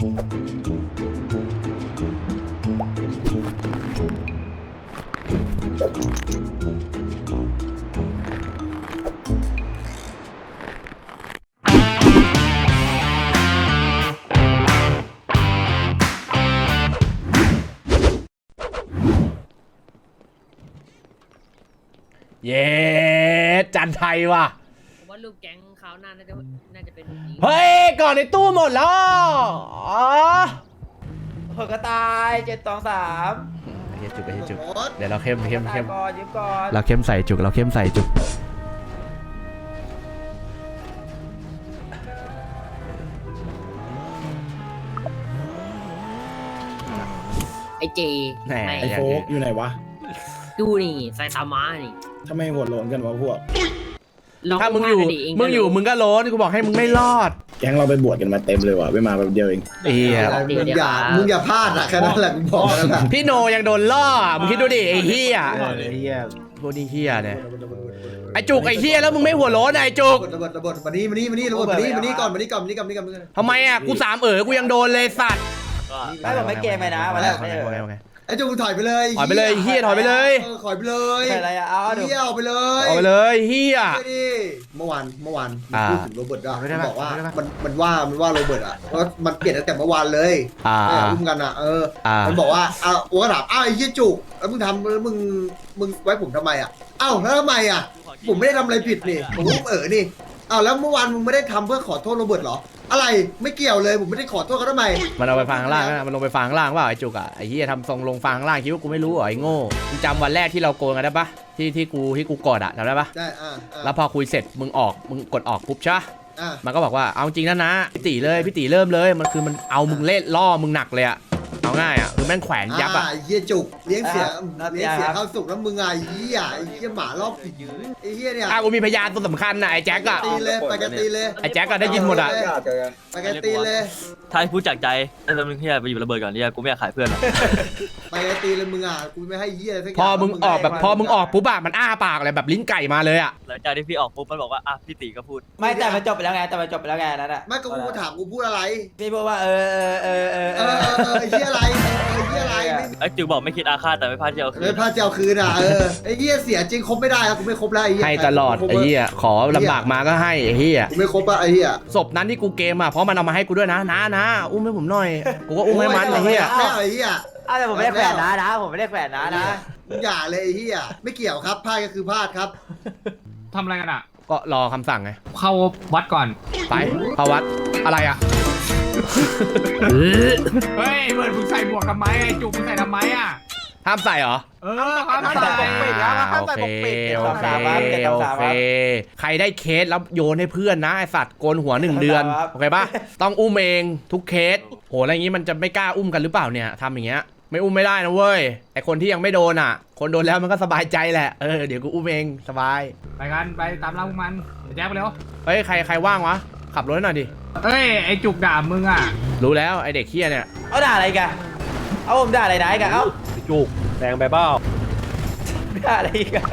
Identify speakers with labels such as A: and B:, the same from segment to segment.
A: เย้จันไทยว่ะ
B: ผมว่าลูกแก๊งเขาน่าจะเป็น
A: เฮ้ยก่อนในตู้หมดแล้วอ๋อ
C: เผื่อกระต่าย723
A: เฮียจุกเฮียจุกเดี๋ยวเราเข้ม
C: ก่อนยืมก่อน
A: เราเข้มใส่จุกเราเข้มใส่จุก
B: ไอเจ
A: ไอโฟก
D: อยู่ไหนวะ
B: ดูนี่ไซตามะนี่
D: ทำไมหัวโลนกันวะพวก
A: ถ้ามึงอยู่มึงก็โล้นกูบอกให้มึงไม่รอด
D: แก๊งเราไปบวชกันมาเต็มเลยว่ะไม่มาแบบเดียวเอง
E: มึงอย่าพลาดอะแค่นั้นแหละมึงบอกแล้วนะ
A: พี่โนยังโดนล่อมึงคิดดูดิไอ้เฮียพวกนี้เฮียเนี่ยไอจุกไอเฮียแล้วมึงไม่หัวโล้นไอจุก
E: ระเบิดมานี่ระเบิดมานี่ก่อน
A: ทำไมอ่ะกูกูยังโดนเลยสัตว์
C: ไม่บอกไม่เกมไปนะมาแล้ว
E: ไอ้จุกถอยไปเลย
A: ถอยไปเลยเฮียถอยไปเลย
E: ถอยไปเลย
C: อะไรอะเอา
E: เฮียเอาไปเลย
A: เอาไปเลยเฮีย
E: เมื่อวานพูดถึงโรเบิร์ตอะบอกว่ามันว่าโรเบิร์ตอะเพราะมันเปลี่ยนตั้งแต่เมื่อวานเลยอุ้มกันอะมันบอกว่าโอ้ก็ถามไอ้เฮียจุกแล้วมึงทำแล้วมึงไว้ผมทำไมอะแล้วทำไมอะผมไม่ได้ทำอะไรผิดนี่ผมอุ้มนี่แล้วเมื่อวานมึงไม่ได้ทำเพื่อขอโทษโรเบิร์ตหรออะไรไม่เกี่ยวเลยผมไม่ได้ขอโทษเขาทำไม
A: มันเอาไปฟังข้างล่างนะมันลงไปฟังข้างล่างว่าไอ้จุกอ่ะไอ้เหี้ยทำทรงลงฟังข้างล่างคิดว่ากูไม่รู้เหรอไอ้โง่มึงจำวันแรกที่เราโกงกันได้ปะที่กูกดอ่ะจำได้ปะ
E: ได้
A: แล้วพอคุยเสร็จมึงกดออกปุ๊บใช่มันก็บอกว่าเอาจริงนะพี่ตีเริ่มเลยมันคือมันเอามึงเล่นล่อมึงหนักเลยอ่ะเอาง่ายอ่ะคือแม่งแขวนยับอ่ะ
E: เฮียจุกเลี้ยงเสียข้าวสุกแล้วมึงไอ้เหี้ยหมารอบผีไอ้เหี้ยเนี่ย
A: กูมีพยานตัวสำคัญนะไอ้แจ็คอะ
E: ตีเลยไปกันตีเลย
A: ไอ้แจ็คก็ได้ยินหมดอะ
E: ไปกันตีเลย
F: ถ้าพูดจากใจไอ้ตอนมึงเฮียไปอยู่ระเบิดก่อนเนี่ยกูไม่อยากขายเพื่อนหรอก
E: ไปกันตีเลยมึงอ่ะกูไม่ให้เหี้ยสักอย่าง
A: พอมึงออกปุ๊บอะมันอ้าปากเลยแบบลิ้นไก่มาเลยอะ
F: หลังจากที่พี่ออกปุ๊บมันบอกว่าพี่ตีก็พูด
C: ไม่แต่มันจบไปแล้วไงนั่นอะ
E: ไม่ก็กูถามกูพูดอะไร
C: พี่พูดว่า
E: ไอ้เหี้ยอะไร
F: ไอ้จิ๋วบอกไม่คิดอาฆาตแต่ไม่พลาดเจียวคืน
E: ไม่พลาดเจียวคืนอ่ะไอ้เหี้ยเสียจริงคบไม่ได้กูไม่คบแล้วไอ้เหี้ย
A: ให้ตลอดไอ้เหี้ยขอลำบากมาก็ให้ไอ้เหี้ย
E: กูไม่คบอะไอ้เหี้ย
A: ศพนั้นที่กูเกมอะเพราะมันเอามาให้กูด้วยนะอุ้มให้ผมหน่อยกูก็อุ้มให้มันไอ้เหี้ย
E: ไอ้เหี้ย
C: แต่ผมไม่ได้แขวนนะผมไม่ได้แขวนนะ
E: อย่าเลยไอ้เหี้ยไม่เกี่ยวครับพลาดก็คือพลาดครับ
G: ทำอะไรกันอ่ะ
A: ก็รอคำสั่งไง
G: เข้าวัดก่อน
A: ไปเข้าวัดอะไรอ่ะ
G: เฮ้ยเหมือนมึงใส่หมวกทำไมไอ้จุกมึงใส่ทำไมอ่ะ
A: ห้ามใส่เหรอ
G: ห้ามใส่
C: ปกปิดแล้วห้ามใส่ปกปิด
A: โอเคใครได้เคสแล้วโยนให้เพื่อนนะไอสัตว์โกนหัว1 เดือนโอเคป่ะต้องอุ้มเองทุกเคสโหอะไรอย่างงี้มันจะไม่กล้าอุ้มกันหรือเปล่าเนี่ยทำอย่างเงี้ยไม่อุ้มไม่ได้นะเว้ยไอคนที่ยังไม่โดนอ่ะคนโดนแล้วมันก็สบายใจแหละเดี๋ยวกูอุ้มเองสบาย
G: ไปกันไปตามล่าพวกมันแจ๊บไปเร็ว
A: เฮ้ยใครว่างวะขับรถหน่อยดิ
G: เฮ้ยไอจุกด่ามึงอ่ะ
A: รู้แล้วไอเด็กเหี้ยเนี่ย
C: เอาด่าอะไรกันเอาผมด่าอะไรนะกันเอา
A: จุกแดงไปเปล่า
C: ด่าอะไรกัน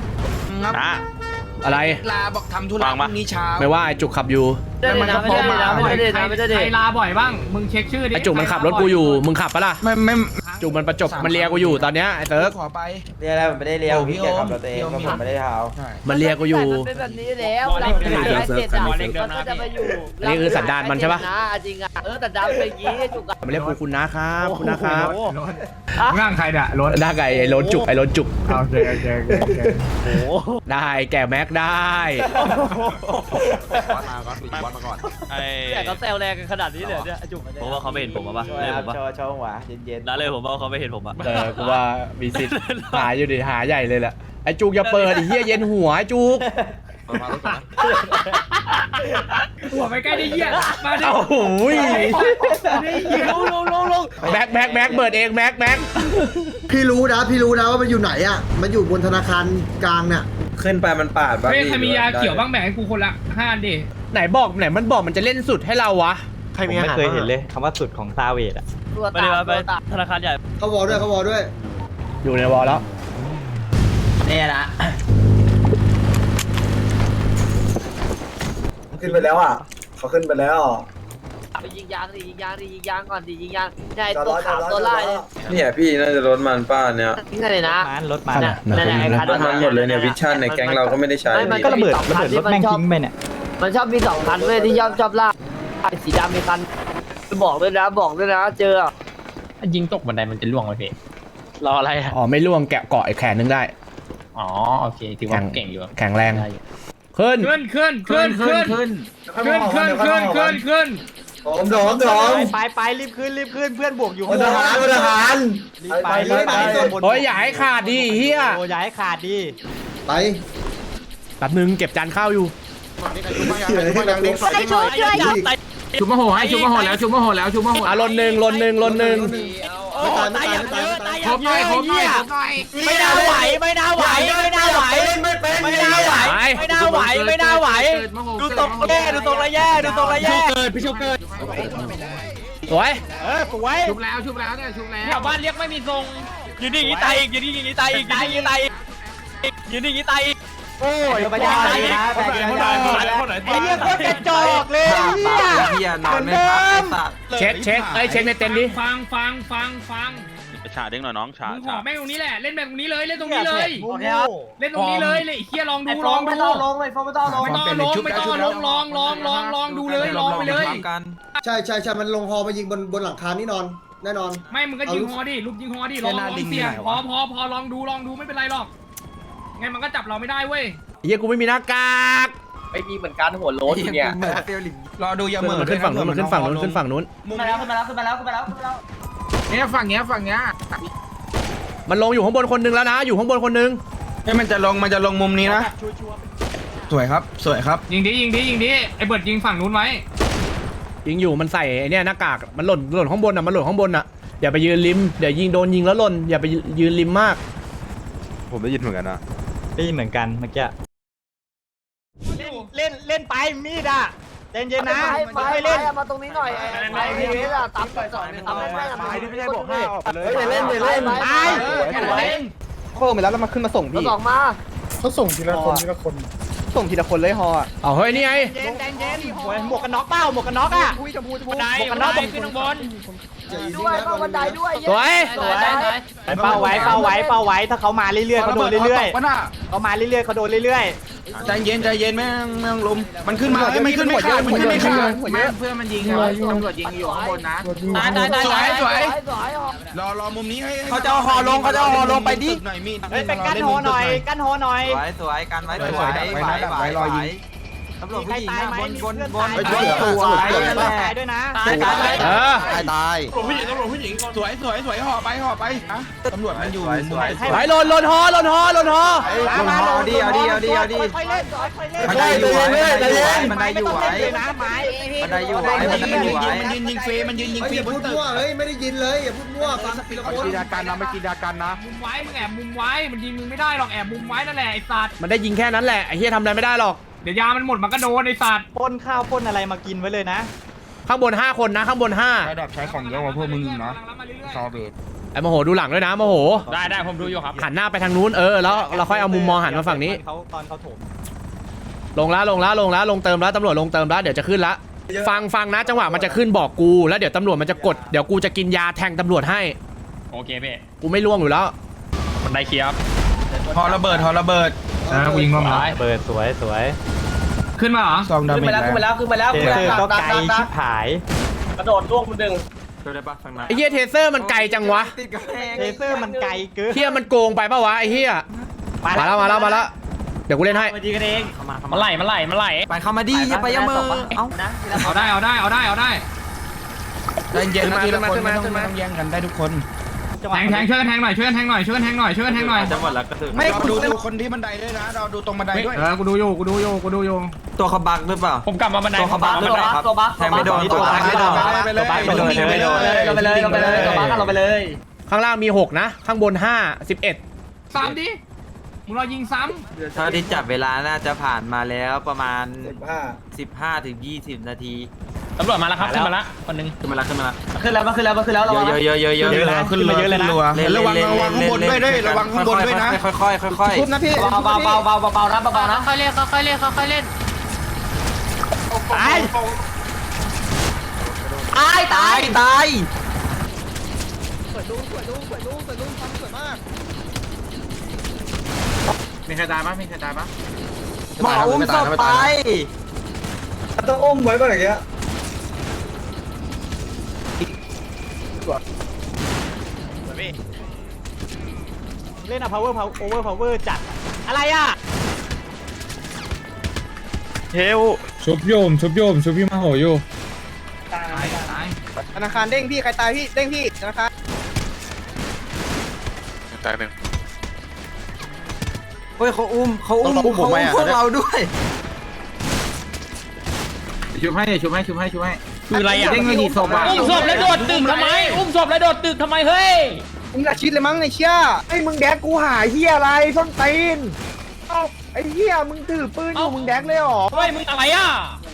A: อะไร
G: ลาบอกทำธุระพรุ่งนี้เช้า
A: ไม่ว่าไอจุกขับอยู่
G: ไม่ได้ลาบ่อยบ้างมึงเช็คชื่อดิ
A: ไอจุกมันขับรถกูอยู่มึงขับปะล่ะไม่จุกมันประจบมันเลียกูอยู่ตอนเนี้ยไอเติร์ก
C: ขอไปเรียอะไรผมไม่ได้เลียพี่แกขับรถเองผมไม่ได้เท้า
A: มันเลียกูอยู่
B: เป็นแบบนี้แล้วเราไม่เสร็จมันก็จะมาอยู่
A: นี่คือสันดานมันใช่ปะ
B: จริงอ่ะสันดานเป็นอย่างนี้จุก
A: มันเรียกคุณนะครับคุณนะครับ
G: ง่างใครเนี่ยรถ
A: หน้าไก่ไอ้รถจุก
G: โอเค
A: โอ้ได้แก่แม็กได้
F: วัดมาก่อน
B: แต่เขาแซวแรงกันขนาดนี้เลยเนี่ยจุก
F: ผมว่าเขาไม่เห็นผมป่ะเลยผมว่า
C: โชว์หัวเย็น
F: ๆเลยผมว่าเขาไม่เห็นผมอ่ะ
A: กูว่ามีสิทธิ์หาอยู่ดิหาใหญ่เลยแหละไอ้จุกอย่าเปิดไอ้เหี้ยเย็นหัวไอ้จุก
G: หัวไม่ใกล้ได้เหี้ยมาดิ
A: โอ้โห
G: ลง
A: แม็กเปิดเองแม็ก
E: พี่รู้นะว่ามันอยู่ไหนอ่ะมันอยู่บนธนาคารกลางเนี่ย
D: ขึ้นไปมันปาดบ้าง
G: เฮ้ยใครมียาเขียวบ้างแบ่งให้กูคนละ5ดิ
A: ไหนมันบอกมันจะเล่นสุดให้เราวะ
F: ใครมีไม่เคยเห็นเลยคำว่าสุดของซาเวดอ่ะไปธนาคารใหญ่
E: เขาวอลด้วย
A: อยู่ในวอลแล้ว
C: เนี่ยนะ
D: ขึ้นไปแล้วอ่ะเขาขึ้นไปแล้ว
B: ไปยิงยางดิยิงยางก่อนดิยิงยางใช่ตัวขาวตัวลายเลย
D: เนี่ยพี่น่าจะรถมันป้าเนี่ย
B: นี่เลยนะ
F: รถมัน
B: นั่นไอ้คัน
D: รถมันหมดเลยเนี่ยวิชั่นในแก๊งเราก็ไม่ได้ใช้
F: ก็ระเบิดรถแม่งทิ้งไปเนี่ย
B: มันชอบมี2 คันเว้ยที่ชอบลากสีดำมีคันบอกด้วยนะเจอ
G: ยิงตกบันไดมันจะล่วงไหมพี่รออะไรอ่ะ
A: อ๋อไม่ล่วงแกะเกาะอีกแขนนึงได้
G: อ๋อโอเคถือว่าเก่งอยู่
A: แข็งแรงขึ้น
F: ไปรีบขึ้นเพื่อนบวกอยู่
E: ทหารทหาร
F: ไป
A: โอ้ยอย่าให้ขาดดิเฮีย
F: โอ้ย้ายขาดดี
E: ไป
A: แป๊บนึงเก็บจานข้าวอยู่
B: ไอ้ช่วย
G: ชุบมาโหให้ชุบมาโหแล้วชุบมาโห
A: อ่ะลนหนึ่ง
E: ตาย
G: ครบหน่อยไม่น่าไหวดูตรงระแย่พี่ชุบเกิด
A: สวย
G: สวยชุบแล้วเนี่ยชุบแล้วแถวบ้านเรียกไม่มีทรงยืนนี่ตายอีกโอ้ยไปยังไงนะไอ้เหี้ยโคตรกระจอกเลยเนี่ยเหมือนเดิม
A: เช็คเช็คในเต็นท์ดิ
G: ฟัง
H: ฉาเด้งหน่อยน้องฉา
G: มึงขอแม่งตรงนี้แหละเล่นแบบตรงนี้เลยเล่นตรงนี้เลยไอ้เหี้ยลองดูลองดูไม่ต้องลงไปเลย
E: ใช่มันลงฮอมายิงบนหลังคานี่นอนแน่นอน
G: ไม่มึงก็ยิงฮอดิลุกยิงฮอดิลองเสี่ยงพอลองดูไม่เป็นไรหรอกไงมันก็จับเราไม่ได้เว้ย
A: เฮียกูไม่มีหน้ากาก
C: ไม่มีเหมือนกันหัวโล้นเนี่ย
G: รอดูอย่าเหมื
A: มันขึ้นฝั่งนู้นขึ้นฝั่งนู้น
C: ขึ้นมาแล้ว
G: เนี่ยฝั่งเนี้ย
A: มันลงอยู่ข้างบนคนนึงแล้วนะอยู่ข้างบนคนนึง
H: มันจะลงมุมนี้นะสวยครับ
G: ยิงดิไอ้เบิร์ดยิงฝั่งนู้นไว้
A: ยิงอยู่มันใส่ไอ้เนี่ยหน้ากากมันหล่นข้างบนอ่ะอย่าไปยืนริมเดี๋ยวยิงโดนยิงแล้วหล่นอย่าไปยืนริมมาก
H: ผมได้ยินเหมือนกันนะ
F: ได้ยินเหมือนกันเมื่อกี้เล่นไปมีดอ่ะเย็นนะ
B: ไปเล่นมาตรงนี้หน่อยไอ้พี่เวลาตับไม่ได้บอกให้เล่น
C: โค้งไปแล้วแล้วมาขึ้นมาส่งพี่
B: สองมา
E: เขาส่งทีละคน
C: ส่งทีละคนเลยฮอ
A: เอาเฮ้ยนี่ไง
F: หมวกกันน็อกเป้าหมวกกันน็อกอ่ะ
G: บันไดขึ้นข้างบน
B: ด้วยเข้าบันไดด้วย
A: สวย
F: เป้าไว้ถ้าเขามาเรื่อยๆเขาโดนเรื่อยๆเขามาเรื่อยๆเขาโดนเรื่อย
H: ใจเย็นแม่งลมมันขึ้นมาไม่ขึ้นไม่ขาดเพื่อนมันยิงตำรวจยิงอยู่ข้างบนนะสวยรอมุมนี้ให้เขาจะเอาหอลงไปดิ
F: ๆไปกั้นหอหน่อย
H: สวยกันไว้รอยิงตำรวจผู้หญิงบน
F: ตายด้วยนะ
E: ตาย
H: ตำรวจผู้หญิงสวยห่อไปตำรวจมันอยู่
A: ไปหล่นฮอ
H: เอาดี
F: ค่อยเล่น
H: มันได้อยู่ไว้มันยืนยิงฟรี
E: อย่าพูดมั่วเฮ้ยไม่ได้ยินเลยอย่าพูดมั่วฟังทีละคน
H: กีฬาการนะไม่กีฬาการนะ
G: มุมไว้มึงแอบมุมไว้มันยิงมึงไม่ได้หรอกแอบมุมไว้นั่นแหละไอ้สัตว์
A: มันได้ยิงแค่นั้นแหละไอ้เฮียทำอะไรไม่ได้หรอก
G: เดี๋ยวยามันหมดมันก็โดนไอ้สัตว์
F: ป้นข้าวป้นอะไรมากินไว้เลยนะ
A: ข้างบน5คนนะข้างบน5
H: ระดับใช้ของเยอะกว่าพวกมึงนะซอเบต
A: ไอ้โมโหดูหลังด้วยนะโมโห
G: ได้ผมดูอยู่ครับ
A: หันหน้าไปทางนู้นแล้วเราค่อยเอามุมมองหันมาฝั่งนี้
F: ตอนเขาถม
A: ลงแล้วลงเติมแล้วตำรวจลงเติมแล้วเดี๋ยวจะขึ้นละฟังนะจังหวะมันจะขึ้นบอกกูแล้วเดี๋ยวตำรวจมันจะกดเดี๋ยวกูจะกินยาแทงตำรวจให้
G: โอเคพี่
A: กูไม่ล่วงอยู่แล้ว
G: บันไดเคลียร์
H: ฮอระเบิด
G: วิ่งมา
F: เปิดสวย
G: ขึ้นมาเหรอ
H: ซองดาเมจ
C: ขึ้นมาแล้ว
F: เจอก็ไกลชิบหาย
C: กระโดดล่วงคนหนึ่ง
H: ได้ปะฟังนะ
A: ไอ้เฮียเทเซอร์มันไกลจังวะ
F: เลเซอร์มันไกลเกิน
A: เฮียมันโกงไปปะวะไอ้เฮียมาแล้วเดี๋ยวกูเล่นให้
F: มาดีกันเอง
G: มันไหล
H: ไปเข้ามาดีอย่าไปย่ามือ
G: เอาได้
H: ใจเย็นนะทีละคนไม่ต้องแย่งกันได้ทุกคน
G: แทงช่วยกันแทงหน่อยจะหมดแล้วก็ถึง
H: ไม่ดูคนที่บันไดด้วยนะเราดูตรงบันไดด้วย
G: กูดูอยู่
H: ตัวเขาบักหรือเปล่า
G: ผมกลับมาบันได
H: ตัวเขาบักหรือเปล่าครับแทงไม่โดนตัวบักไม่โดน
C: ไปเลย
A: ข้างล่างมี6นะข้างบน5 11
G: ซ้ำดิมึงรอยิงซ้
I: เท่าที่จับเวลาน่าจะผ่านมาแล้วประมาณ 15 ถึง 20 นาที
G: ำตำรวจมาแล้วครับขึ้นมาแล้วคนนึง
C: ขึ้นแล้วระวัง
I: เยอะ
H: ขึ้นเลยระวังข้างบนด้วยระวังข้างบนด้วยนะ
I: ค่อย
C: ทุบนะพี่เบานะ
B: ค่อยเล่น
F: ตาย
I: ายตายตาย
G: มีใครตายปะมีใครตายปะ
I: หมออุ้มศพไป
E: ต้องอุ้มไว้ก่อนอย่างเงี้ย
F: เล่นอะ power จัดอะไรอ่ะ
J: ชุบโยมชุบพี่มาโหอยู่
G: ตายตาย
C: ธนาคารเด้งพี่ใครตายพี่เด้งพี่ธนาคาร
J: ตายหนึ่ง
I: เฮ้ยเขาอุ้มพวกเราด้วย
H: ชุบให้ชุบให้
G: คืออะไรอ่ะ
H: เด้งไม่ดีศพอ่ะ
G: อุ้มศพแล้วโดดตึกทำไมอุ้มศพแล้วโดดตึกทำไมเฮ้ย
C: มึงอยากชิดเลยมั้งไอ้เชี่ยไอ้มึงแดกกูหาเฮียอะไรส้นตีนเอ้าไอ้เฮียมึงถือปืนอยู่มึงแดกเลยหรอ
G: เฮ้ยมึงอะไรอ่ะ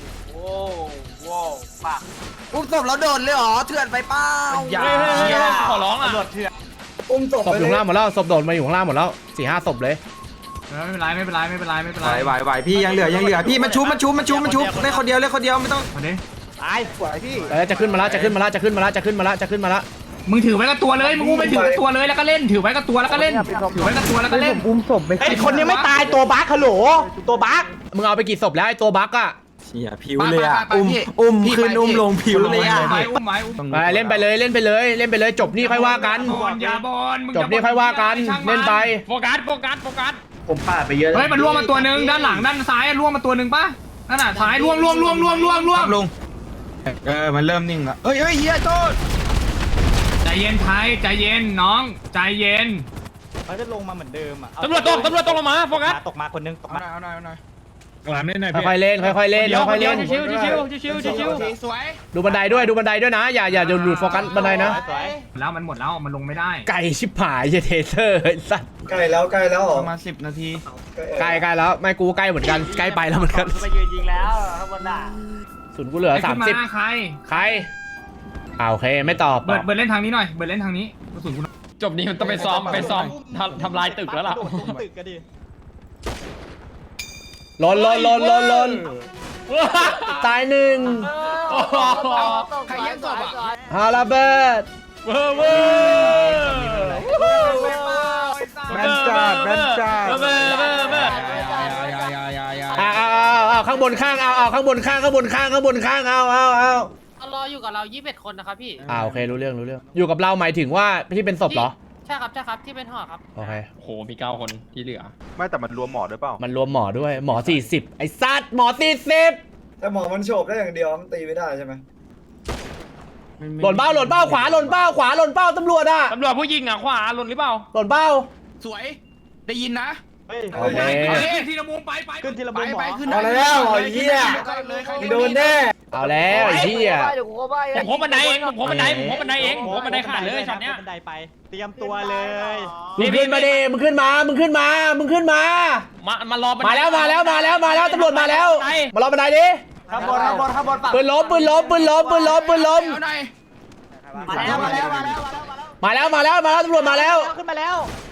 I: อุ้มศพแล้วโดนเลยเหรอเถื่อนไปเปล่า
G: อย่าขอร้องอ่ะ
E: อุ้มศพ
A: ศพอยู่ข้างล่างหมดแล้วศพโดดมาอยู่ข้างล่างหมดแล้ว4-5 ศพเลย
H: ไม่เป็นไร
I: ไหวพี่ยังเหลือพี่มันชุบเล่นคนเดียวไม่ต้อง
F: ตาย
C: สวยพี่
A: จะขึ้นมาแล้ว
H: มึงถือไว้กับตัวเลยมึงอุ้มไปถือกับตัวเลยแล้วก็เล่นถือไว้กับตัวแล้วก็เล่นถือไว้กับตัวแล้วก็เล่น
C: อุ้มศพไป
F: ไอ้คนยังไม่ตายตัวบั๊กฮัลโหลตัวบั๊ก
A: มึงเอาไปกี่ศพแล้วไอ้ตัวบั๊กอะ
I: เชี่ยผิวเลยอ่ะอุ้มขึ้นอุ้มลงผิวเลยอ่ะ
H: อุ้มไม้
A: ไปเล่นไปเลยจบนี่ค่อยว่ากัน
H: อย่าบอล
A: จบนี่ค่อยว่ากันเล่นไป
G: โฟกัส
E: ผมปาดไปเยอะ
H: เฮ้ยมันล่วงมาตัวนึงด้านหลังด้านซ้ายล่วงมาตัวนึงป่ะนั่นน่ะซ้ายล่วงลงมันเริ่มนิ่งแล้วเฮ้ยเฮียโทษใจเย็นไทยใจเย็นน้องใจเย็น
F: มันจะลงมาเหมือนเดิมอ่ะ
G: ตำรวจตกลงมาโฟกัส
F: ตกมาคนนึงตกมา
H: เอาหน่อย
J: กลามเล่นหน่อยพี่
A: ค่อยๆเล่น
G: ชิว
H: สวย
A: ดูบันไดด้วยนะอย่าหลุดโฟกัสบันไดนะ
H: แล้วมันหมดแล้วมันลงไม่ได้
A: ไก่ชิบหายเทเซอร์ไอ้สัตว์
E: ใกล้แล้วเหรอ
H: ประมาณ10 นาที
A: ใกล้แล้วไม่กูใกล้เหมือนกันใกล้ไปแล้วเหมือนกัน
F: ไปยืนยิงแล้วข้างบนน่ะ
A: ศูนย์กูเหลือ 30
H: ใคร
A: ใครโอเคไม่ตอบ
H: เบิร์ดเล่นทางนี้หน่อยเบิร์ดเล่นทางนี้กระสุนกู
G: จบนี้มันต้องไปซ้อมทำลายตึกแล้วล่ะ
F: โดดลงตึกก็ดิ
A: ลนตายหนึ่ง
C: ใครแย่งศพอ่ะ
A: ฮาลาเบิร์ด
G: เว้แมนจัด
A: เอาข้างบนข้างเอาข้างบนข้างเอา
K: รออยู่กับเรา21 คนนะครับพี่
A: โอเครู้เรื่องอยู่กับเราหมายถึงว่าที่เป็นศพเหรอ
K: ใช่ครับที่เป็นห่อครับ
A: โอเค
G: โหมี9 คนที่เหลือ
J: ไม่แต่มันรวมหมอด้วยเปล่า
A: มันรวมหมอด้วยหมอ40ไอ้สัตว์หมอ40
E: แต่หมอมันโฉบได้อย่างเดียวมันตีไม่ได้ใช่ไหม
A: หล่นเป้าขวาหล่นเป้าตำรวจอ่ะ
G: ตำรวจผู้ยิงอ่ะขวาหล่นหรือเปล่า
A: หล่นเป้า
H: สวยได้ยินนะ
F: เฮ้ย
A: โอเค
H: ทีละมุมไป
F: ขึ้นทีละมุมหมอ
H: ขึ้น
E: เอาแล้วไอ้เหี้ยโดนแน่
A: เอาแล้วไอ้เหี้ย
B: เดี๋ยวกูเข้าไป
G: ผมโคบันไดเองผมโคบันไดขาดเลยช็อตเนี้ย
F: บันไดไปเตรียมตัวเลย
A: มึงขึ้นมาดิมึงขึ้นมามารอมาแล้วตำรวจมาแล้วมารอบันไดดิ
F: ข้างบนฝั่ง
A: ปืนล้ม
F: มาแล้ว
A: ตำรวจมาแล้ว
F: ขึ้นมาแล้ว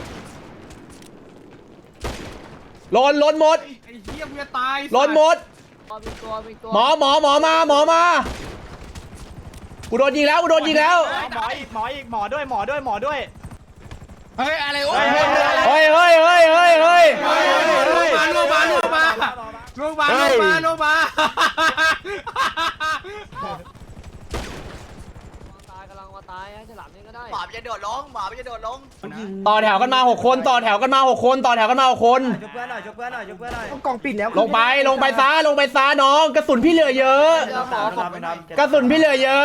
A: หล่นหมด
H: ไอ้เหี้ยกูจะตาย
A: หล่นหมด
B: มีตัว
A: หมอมากูโดนยิงแล้ว
F: หมออีกหมอด้วย
H: เฮ้ยอะไรโอ้
A: เฮ้ย
H: ลงมา
B: ตายกำลังมาตายให้ฉลามนี่ก็ได้
C: หมาจะโดดลง
A: ต่อแถวกันมา6 คนต่อแถวกันมา6 คน
C: ยกเพื่อนหน่อยกองปิดแล้ว
A: ลงไปซะน้องกระสุนพี่เหลือเยอะขึ้นมา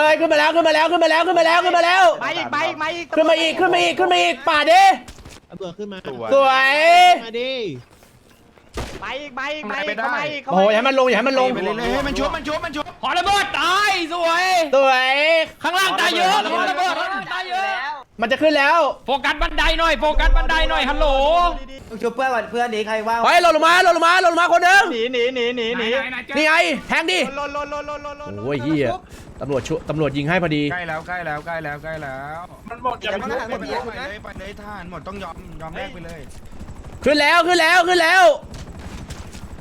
A: แล้ว
F: มาอีก
A: ขึ้นมาอีกป่าดิสวย
F: มาอีก
A: โอ้โหอย่าให้มันลง
H: ไปเลยให้มันชุบ
G: ขอระเบิดตายสวย ข้างล่างตายเยอะขอระเบิดตายเยอะ
A: มันจะขึ้นแล้ว
G: โฟกัสบันไดหน่อยฮัลโหล
C: ชุบเพื่อนก่อนเพื่อนนี้ใครว่าง
A: เฮ้ยหล่นลงมาคนหนึง
F: หนี
A: นี่ไงแทงดิ
F: ลน
A: โอ้ยเฮียตำรวจยิงให้พอดี
H: ใกล้แล้วมันหมดอย่าไปเลยทหารหมดต้องยอมแลกไปเลย
A: ขึ้นแล้ว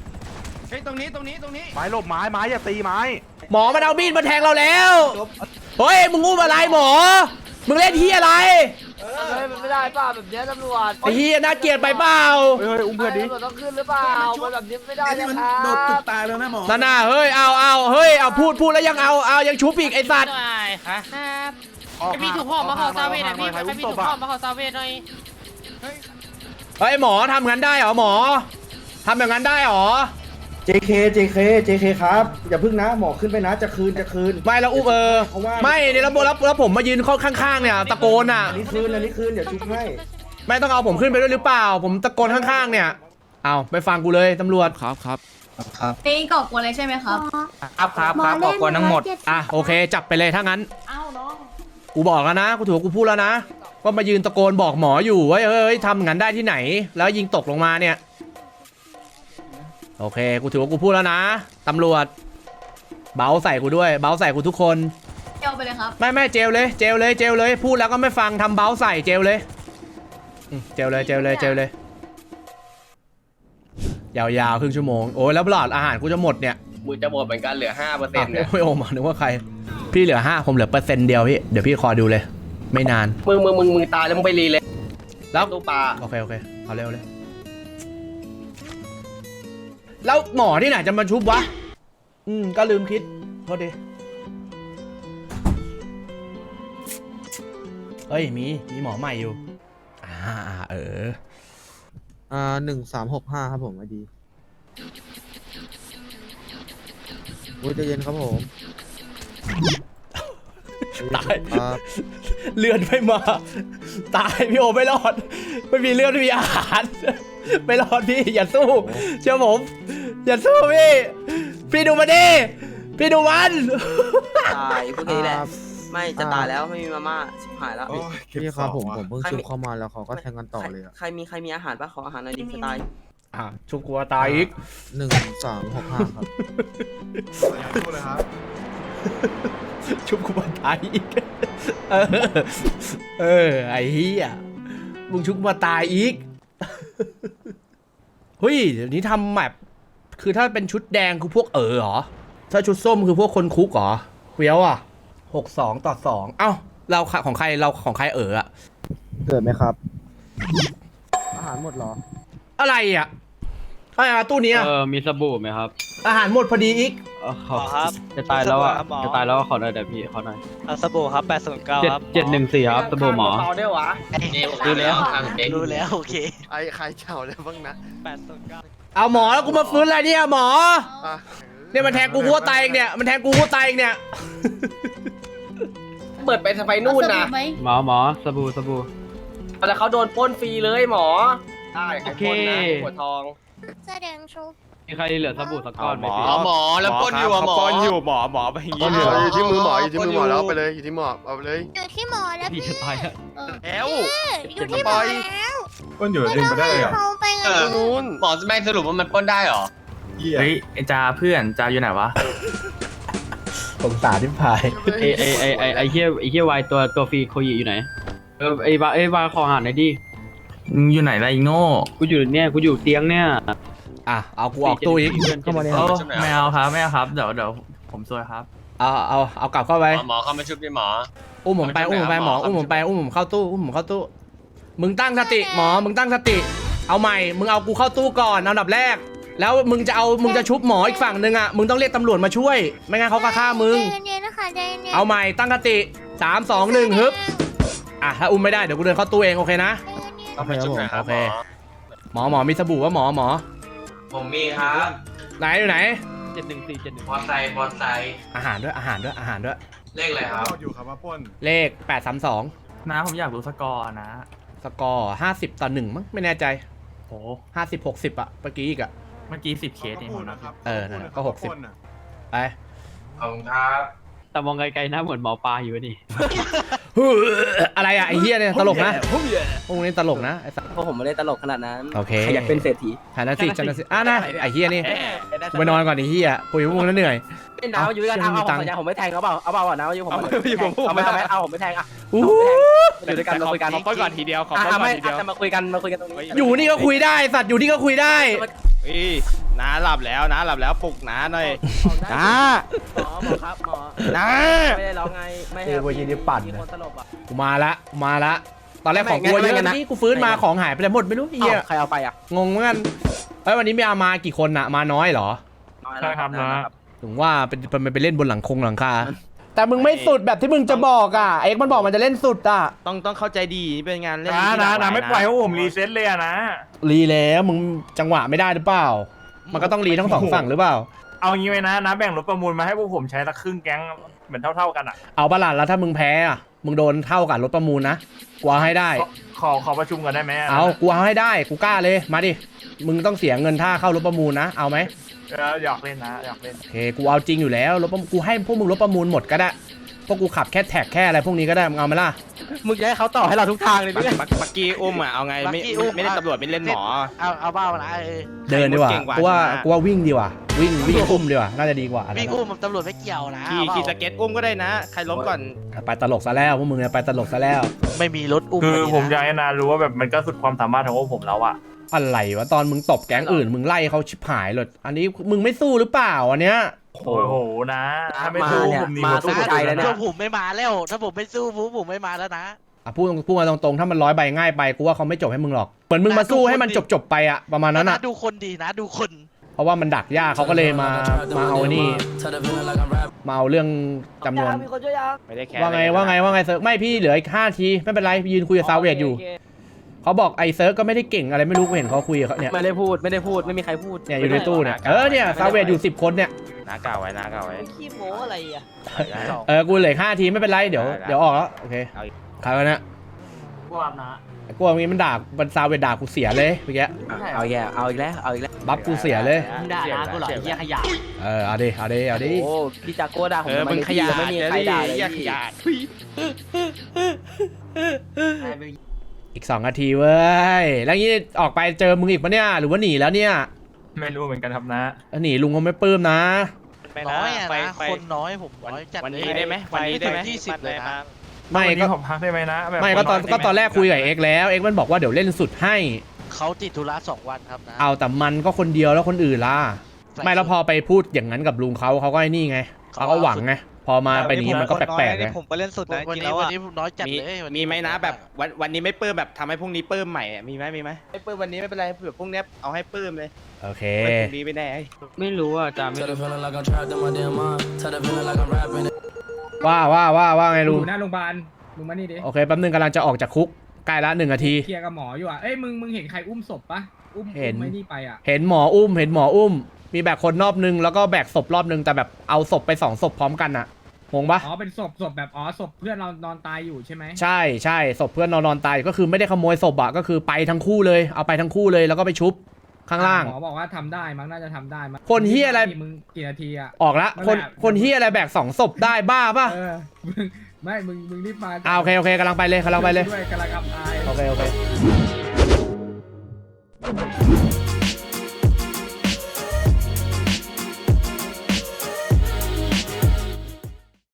H: เฮ้ยตรงนี้
J: ไม้หลบไม้อย่าตีไม้
A: หมอมันเอามีดมาแทงเราแล้ว
C: ช
A: เฮ้ยมึงงูอะไรหมอมึงเล่นที่อะไร
B: เฮ้ยมันไม่ได้ป่ะแบบนี้ตำรวจ
A: ไอ้เฮียน่าเกลียดไปเปล่า
C: เฮ้ยอุ้มเพื่อนดิ
B: ตำรวจต้องขึ้นหรือเปล่ามันแบบนี้ไม่ได้นะครับ
H: โดดตึกตายแล้วนะหมอ
A: นั่นน่ะเฮ้ยเอาเฮ้ยเอาพูดแล้วยังเอายังชุบอีกไอ้สัตว์
K: หน่อยครับใครมีถุงห่อมาห่อซาเวทหน่อยพี่ใครมีถุงห่อมาห่อซาเวทหน่อย
A: เฮ้ยหมอทำงั้นได้เหรอหมอทำแบบนั้นได้เหรอ
C: JK ครับอย่าพึ่งนะหมอขึ้นไปนะจะคืน
A: ไม่แล้วอุ้มไม่เนี่ยแล้วผมมายืนข้างๆเนี่ยตะโกนอ่ะ
C: อันนี้คืนเดี๋ยวชุบให้
A: ไม่ต้องเอาผมขึ้นไปด้วยหรือเปล่า ผมตะโกนข้างๆเนี่ยเอาไปฟังกูเลยตำรวจครับ
L: นี่ก่อกวนเลยใช่ไหมครับ
I: ครับบอกก่อนทั้งหมด
A: อ่ะโอเคจับไปเลยถ้างั้น
L: อ้าวน้อง
A: กูบอกแล้วนะกูถือว่ากูพูดแล้วนะว่ามายืนตะโกนบอกหมออยู่ว่าเฮ้ยทำงั้นได้ที่ไหน แล้วยิงตกลงมาเนี่ยโอเคกูถือว่ากูพูดแล้วนะตำรวจเบาใส่กูด้วยเบาใส่กูทุกคน
L: เจ้าไปเลยครับ
A: ไม่เจลเลยพูดแล้วก็ไม่ฟังทำเบาใส่เจลเลยเจลเลยยาวๆครึ่งชั่วโมงโอ้ยแล้วหลอดอาหารกูจะหมดเนี่ย
G: มือจะหมดเหมือนกันเหลือ 5%เนี่ย
A: ไม่โอมานึกว่าใครพี่เหลือ5ผมเหลือ%เดียวพี่เดี๋ยวพี่คอยดูเลย ไม่นาน
G: มึงตายแล้วมึงไปรีเลย
A: แล้ว
G: ตู้ปลา
A: โอเคเอาเร็วเลยแล้วหมอที่ไหนจะมาชุบวะก็ลืมคิดโทษดิเฮ้ยมีหมอใหม่อยู่
C: 1365ครับผมไอดีโอ้ยใจเย็นครับผม
A: ตายเลือดไม่มาตายพี่โอไม่รอดไม่มีเลือดไม่มีอาหารไม่รอดพี่อย่าสู้เชื่อผมอย่าสู้พี่ดูมาดิพี่ดูมัน
I: ตายพวกนี้แหละไม่จะตายแล้วไม่มีมาม่าชิบหายแล้ว
C: พี่ครับผมเพิ่งชุบเข้ามาแล้วเขาก็แทงกันต่อเลยอะ
I: ใครมีอาหารป่ะขออาหารหน่อยดิจะตาย
A: ชุบกลัวตายอีก
C: 1365ครับ
A: ชุบกลัวตายอีกไอ้เหี้ยมึงชุบกลัวตายอีกเฮ้ยเดี๋ยวนี้ทำแบบคือถ้าเป็นชุดแดงคือพวกเหรอถ้าชุดส้มคือพวกคนคุกเหรอเฟี้ยวอ่ะ62-2เอ้าเราของใครอะ
C: เกิดไหมครับ อาหารหมดเหรอ
A: อะไรอ่ะตู้นี้
J: มีสบู่ไหมครับ
A: อาหารหมดพอดีอีก
J: ขอครับจะตายแล้วขอหน่อยเดี๋ยวพี่ขอหน่อย
F: สบู่ครับ809ครับ
J: 714ครับสบู่หมอ
G: เปล่าได้หวะ
F: รู้แล้ว
K: รู้แล้วโอเค
F: ไอ้ใครเจ้าแล้วบ้างนะ809
A: เอาหมอแล้วกูมาฟื้นอะไรเนี่ยหมอเนี่ยมันแทงกูหัวตายเองเนี่ย
G: เปิดไปสไปนู่นนะ
L: ไหม
J: หมอสบู่
G: แต่เขาโดนปล้นฟรีเลยหมอได้ใครปล้นนะหัวทอง
L: แสดงโชว์
J: มีใครเหลือสบู่สักก้อนไหมพี่
H: หมอแล้วปล้นอยู่อะหมอปล้นอยู่หมอไปอย่างงี้
F: อยู่ที่มือหมอแล้วไปเลยอยู่ที่หมอเอาไปเลย
L: อยู่ที่หมอแล้ว
J: พี่จะตายอะ
F: แล้ว
L: อยู่ที่หมอแล้ว
J: ก้นอยู่ดึงไปได้เลยอ่ะ
L: เขาไปไง
F: นู้น
G: หมอแม่งสรุปว่ามันปล้นได้เหรอ
J: เฮ้ยจ่าเพื่อนจ่าอยู่ไหนวะ
A: สงสารที่พาย
J: ไอ้เหี้ยวายตัวฟรีโคยิอยู่ไหนไอ้วายขออาหารหน่อยดิอยู่ไหนล่ะไอ้โง่กูอยู่เตียงเนี่ย
A: เอากูออกตู้อีก
C: เข้ามาเลย
J: ไม่เอาครับเดี๋ยวผมซวยครับ
A: เอากลับเข้าไป
G: หมอเข้ามาชุบดิหมอ
A: อุ้มผมไปหมออุ้มผมเข้าตู้มึงตั้งสติหมอมึงตั้งสติเอาใหม่มึงเอากูเข้าตู้ก่อนเอาอันดับแรกแล้วมึงจะชุบหมออีกฝั่งนึงอ่ะมึงต้องเรียกตำรวจมาช่วยไม่งั้นเขาก็ฆ่ามึง
L: ใจเย็นๆนะคะใจเย็นๆ
A: เอาใหม่ตั้งสติ3 2 1ฮึบถ้าอุ้มไม่ได้เดี๋ยวกูเดินเข้าตู้เองโอเคนะ
G: เข้ามาชุบหน่อยครับ
A: โอเคหมอมีสบู่ว่าหมอ
G: ผมมีครับ
A: ไหนอยู่ไหน
G: มอไซค์
A: อาหารด้วย
G: เลขอะไรครับ
H: อยู่ครับว่าปล้น
A: เลข832
J: นะผมอยากรู้สกอร์นะ
A: สกอร์50-1มั้งไม่แน่ใจโอ้50-60เมื่อกี้อีกอ่ะ
J: เมื่อกี้10เคสเองผมนะ
A: นั่นก็60ไป
G: ขอบคุณครับ
J: แต่มองไกลๆนะเหมือนหมอปลาอยู่นี่
A: อะไรอ่ะไอ้เหี้ยเนี่ยตลกนะพวกนี้ตลกนะไอ้สัส
I: เพราะผมไม่ได้ตลกขนาดนั้น
A: โอเค
I: อยากเป็นเศรษฐี
A: ฐานะสินะไอ้เหี้ยนี่กูไปนอนก่อนไอ้เหี้ยคุยกับพวกนั้นเหนื่อย
I: เป็นดาวอยู่ด้วยกันเอาสัญญาผมไม่แทงเขาเปล่าเอาเปล่านะอยู่ผมเอาไม่เอาผมไม่แทงอ่ะ
A: อู้
I: อยู่ด้วยกันมาคุยกัน
H: ขอปล้นก่อนทีเดียวขอปล้นก่อนทีเดียว
I: จะมาคุยกันตรงนี้
A: อยู่นี่ก็คุยได้สัตว์อยู่นี่ก็คุยได้
H: เฮ้ยน้าหลับแล้วปลุกน้าหน่อยน้า
B: หมอครับหมอ
H: น้า
B: ไม่ได้ร้องไงไม่ให้
C: วันนี้ปั่น
B: มีคนสลบอ่ะ
A: กูมาละตอนแรกของกูเยอะนี่กูฟื้นมาของหายไปหมดไม่รู้ไอ้เหี้ย
B: ใครเอาไปอ่ะ
A: งงเหมือนกันวันนี้ไม่เอามากี่คนอะมาน้อยเหรอ
J: ใช่ครับนะ
A: ถึงว่าเป็นไปเล่นบนหลังคาแต่มึงไม่สุดแบบที่มึงจะบอกอ่ะเอ็กมันบอกมันจะเล่นสุดอ่ะ
H: ต้องเข้าใจดีนี่เป็นงานเล่น
J: นะไม่ปล่อยให้ผมรีเซ็ตเลยนะ
A: รีแล้วมึงจังหวะไม่ได้หรือเปล่ามันก็ต้องรีทั้งสองฝั่งหรือเปล่า
J: เอางี้ไว้นะแบ่งรถประมูลมาให้พวกผมใช้ละครึ่งแก๊งเหมือนเท่ากันอ่ะ
A: เอาปะล่ะแล้วถ้ามึงแพ้อ่ะมึงโดนเท่ากับรถประมูลนะกูเอาให้ได้
J: ขอประชุมกันได้ไหม
A: เอากูเอาให้ได้กูกล้าเลยมาดิมึงต้องเสียเงินท่าเข้ารถประมูลนะเอาไหม
J: อยากเล่นนะอยากเล่น
A: โอเคกูเอาจริงอยู่แล้วรถประมูลกูให้พวกมึงรถประมูลหมดก็ได้พวกกูขับแค่แท็กแค่อะไรพวกนี้ก็ได้มึงเอาไหมล่ะ
B: มึงจะให้เขาต่อให้เราทุกทางเลยพี่
H: ปักกี้อุ้มอ่ะเอาไงไม่ได้ตำรวจไม่เล่นหมอ
B: เอาบ้ามาละ
A: เดินดีกว่า
H: เก่งกว่า
A: กูว่า
H: ใช่ไหม
A: กูว่าวิ่งดีกว่าวิ่งอุ้มดีกว่าน่าจะดีกว่า
B: วิ่งอุ้มตำรวจไม่เกี่ยวนะ
H: ขี่สเก็ตอุ้มก็ได้นะใครล้มก่อน
A: ไปตลกซะแล้วพวกมึงเนี่ยไปตลกซะแล้ว
B: ไม่มีรถอุ้ม
J: คือผมอยากให้นารู้ว่าแบบมันก็สุดความสามารถของพวกผมแล้วอ่ะ
A: อะไรวะตอนมึงตบแก๊งอื่นมึงไล่เขาชิบหายเลยอันนี้มึงไม่สู้หรือเปล่าอันเนี้ย
J: โอ้โหนะถ้าไม่สู้ผมหนีมาสู้
B: ใจแล้วนะผมไม่มาแล้วถ้าผมไม่สู้ผมไม่มาแล้วนะ
A: พูดมาตรงๆถ้ามัน100 ใบง่ายไปกูว่าเขาไม่จบให้มึงหรอกเหมือนมึงมาสู้ให้มันจบไปอะประมาณนั้นอะ
B: ดูคนดีนะดูคน
A: เพราะว่ามันดักยากเขาก็เลยมาเอานี่มาเอาเรื่องจำนวน
H: ไม่ได้แค่
A: ว่าไงเซิร์ฟไม่พี่เหลืออีก5 ทีไม่เป็นไรยืนคุยกับซาวเวดอยู่เขาบอกไอ้เซิร์ฟก็ไม่ได้เก่งอะไรไม่รู้กูเห็นเขาคุยกับเขาเนี่ย
B: ไม่ได้พูดไม่มีใครพูด
A: เนี่ยอยู่ในตู้เนี่ยเนี่ยซาวเวดอยู่10 คนเนี่ย
H: น้าเก่าไว้
B: ขี้โม้อะไรอ่ะ
A: กูเหลือ5 ทีไม่เป็นไรเดี๋ยวออกแล้วโอเคใครวะเนี่ย
J: พวกนะ
A: กูว่างี้มันด่ามันซาวเวดด่ากูเสียเลยเมื่อกี้
B: เอาอีกแล้ว
A: บัฟกูเสียเลย
B: ด่านะกูหรอเหี้ยขยะ
A: เอาดิ
B: โอ้พี่จากโก้ด่าผม
H: มึงขยะ
B: ไม่มีใครด่าเลย
H: ขยะ
A: อีก2 นาทีเว้ยแล้วงี้ออกไปเจอมึงอีกปะเนี่ยหรือว่าหนีแล้วเนี่ย
J: ไม่รู้เหมือนกันครับนะ
A: หนีลุงเขาไม่ปลื้มนะ
B: น้อยนะคนน้อยผมน้อยจัด
H: วันนี้ได้ไหมวันนี้ได้ไหม
B: 20เลยนะ
A: ไม่
J: วัน
A: ก็
J: นี้ผมพักได้ไหมนะแบบ
A: ไม่ก็ตอนแรกคุยกับเอ็กแล้วเอ็กมันบอกว่าเดี๋ยวเล่นสุดให้
B: เขาติดธุระ2 วันครับนะ
A: เอาแต่มันก็คนเดียวแล้วคนอื่นล่ะไม่แล้วพอไปพูดอย่างนั้นกับลุงเขาก็ไอ้นี่ไงเขาก็หวังไงพอมาไปนี้มันก็แปลกๆไง
B: ผมไปเล่นสุดนะวันนี้น้อยจัดเลย
H: มีไหมนะแบบวันนี้ไม่ปลื้มแบบทำให้พรุ่งนี้ปลื้มใหม่มีไหมไม่ปลื้มวันนี้ไม่เป็นไรเผื่อพรุ่งนี้เอาให้ปลื้มเลย
A: โอเค
H: ไม่พรุ่งนี้ไม่แน่
J: ไม่รู้อ่ะจำไม่รู้
A: ว่าไงลุง
C: หน้าโรงพยาบาลมึงมานี่ดิ
A: โอเคแป๊บนึงกำลังจะออกจากคุกใกล้ละ1 นาที
C: เคลียร์กับหมออยู่อ่ะเอ้ยมึงเห็นใครอุ้มศพปะอุ้ม
A: เห็น
C: ไม่นี่ไปอ่ะ
A: เห็นหมออุ้มมีแบกคนรอบนึงแล้วก็แบกศพรอบนึงแต่แบบเอาศพไป2 ศพพร้อมกันอะงงปะ
C: อ๋อเป็นศพแบบศพเพื่อนเรานอนตายอยู่ใช่ไหม
A: ใช่ศพเพื่อนนอนตายก็คือไม่ได้ขโมยศพอะก็คือไปทั้งคู่เลยเอาไปทั้งคู่เลยแล้วก็ไปชุบข้างล่าง
C: หมอบอกว่าทำได้มั้งน่าจะทำได้มั้ง
A: คนเหี้ยอะไร
C: มึงกี่นาทีอ่ะ
A: ออกละคนเฮียอะไรแบก2 ศพได้บ้าปะ
C: มึงรีบมา
A: โอเคกำลังไปเลย
C: ด้วยกำลังอับอาย
A: โอเค